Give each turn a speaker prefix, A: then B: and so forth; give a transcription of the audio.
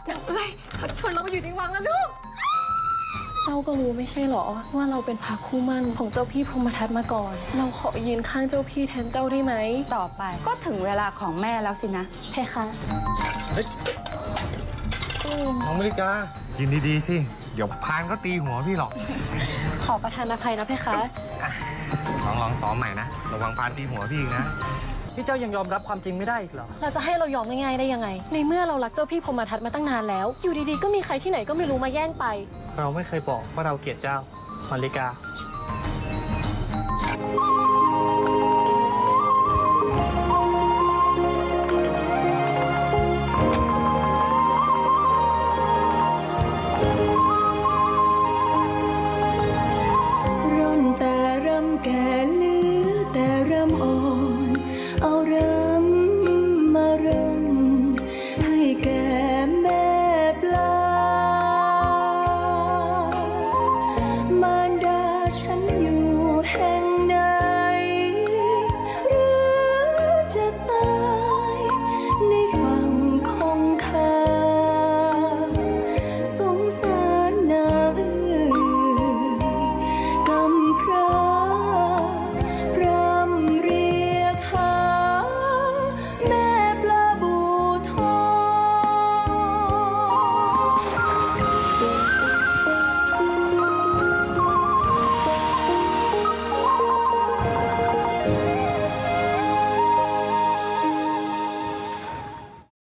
A: นางเอ้ยเขาชวนเรามาอยู่ในวังแล้วลูก
B: เจ้าก็รู้ไม่ใช่หรอว่าเราเป็นพระคู่มั่นของเจ้าพี่พรหมทัตมาก่อน เราขอยืนข้างเจ้าพี่แทนเจ้าได้ไหม
A: ต่อไปก็ถึงเวลาของแม่แล้วสินะ
B: เพคะ
C: น้องมริกากินดีๆสิเดี๋ยวพานก็ตีหัวพี่หรอก
B: ขอประทานอภัยนะเพคะ
C: ลองซ้อมใหม่นะระวังพานตีหัวพี่อีกนะ
D: พี่เจ้ายังยอมรับความจริงไม่ได้อีกเหรอ
B: เราจะให้เรายอมง่ายๆได้ยังไง ในเมื่อเรารักเจ้าพี่พรหมทัตมาตั้งนานแล้ว อยู่ดีๆก็มีใครที่ไหนก็ไม่รู้มาแย่งไป
D: เราไม่เคยบอกว่าเราเกลียดเจ้ามาริกา